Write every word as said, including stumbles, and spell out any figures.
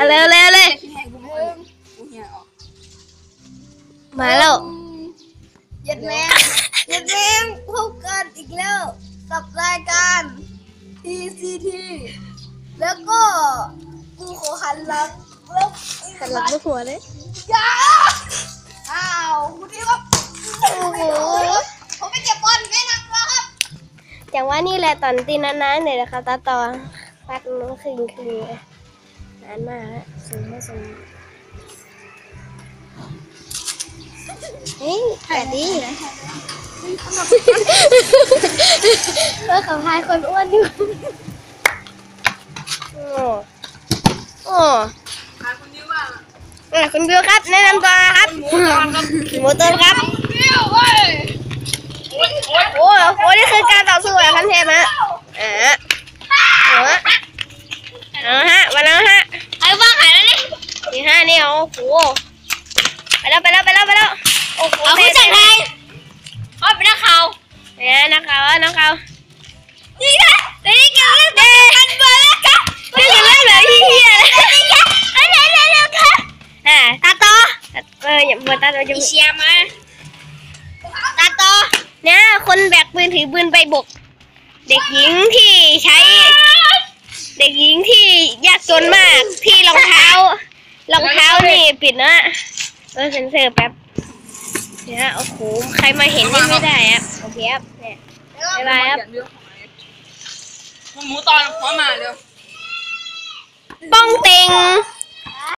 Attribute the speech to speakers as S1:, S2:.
S1: เร็วเร็วเลยมาแล้ว
S2: ยัดแมงยัดแมงพบกันอีกแล้วกับรายการ ที ซี ที แล้วก็กูขอหันหลังแล้ว
S1: หันหลังไม่หัวเลย
S2: ยาอ้าวคุณนี่ครับโอ้โหผมไปเก็บบอลไม่นักแล้วครับ
S1: อย่างว่านี่แหละตอนตีนานๆเนี่ยนะคะตาต่อฟัดน้องคืนคืนนานมากแล้วสูงไม่สูงเฮ้ยถ่ายดีเพื่อเขาพายคนอ้วนอยู่โอ้โอ้คุณบิวว่าคุณบิวครับแนะนำตัวครับหมูต้นครับโอ้โหโอ้นี่คือการต่อสู้แบบขั้นเทพฮะอ่าเอาฮะมาแล้วฮะไอ้บ้าหายแล้วนี่นี่ฮะนี่โอ้โหไปแล้วไปแล้วไปแล้วไปแล้วโอ้โหเอาผู้จัดไทยอ๋อเป็นนักข่าวเนี่ยนักข่าวนักข่าวนี่ค่ะนี่กันเรื่องกันเบอร์แล้วค่ะนี่กันเรื่องแบบเฮียเลยอะไรอะไรค่ะอ่าตาโตเอออย่าเปิดตาโตจะเชียร์มาตาโตเนี่ยคนแบกปืนถือปืนไปบุกเด็กหญิงที่ใช้เด็กหญิงที่ยากจนมากที่รองเท้ารองเท้านี่ปิดนะเออเซ็นเซอร์แป๊บเนี่ยโอ้โหใครมาเห็นนี่ไม่ได้ครับโอเคครับเนี่ยบ๊ายบายครับ
S3: หมูตอนพร้อมมาเร็ว
S1: ป้องเต็ง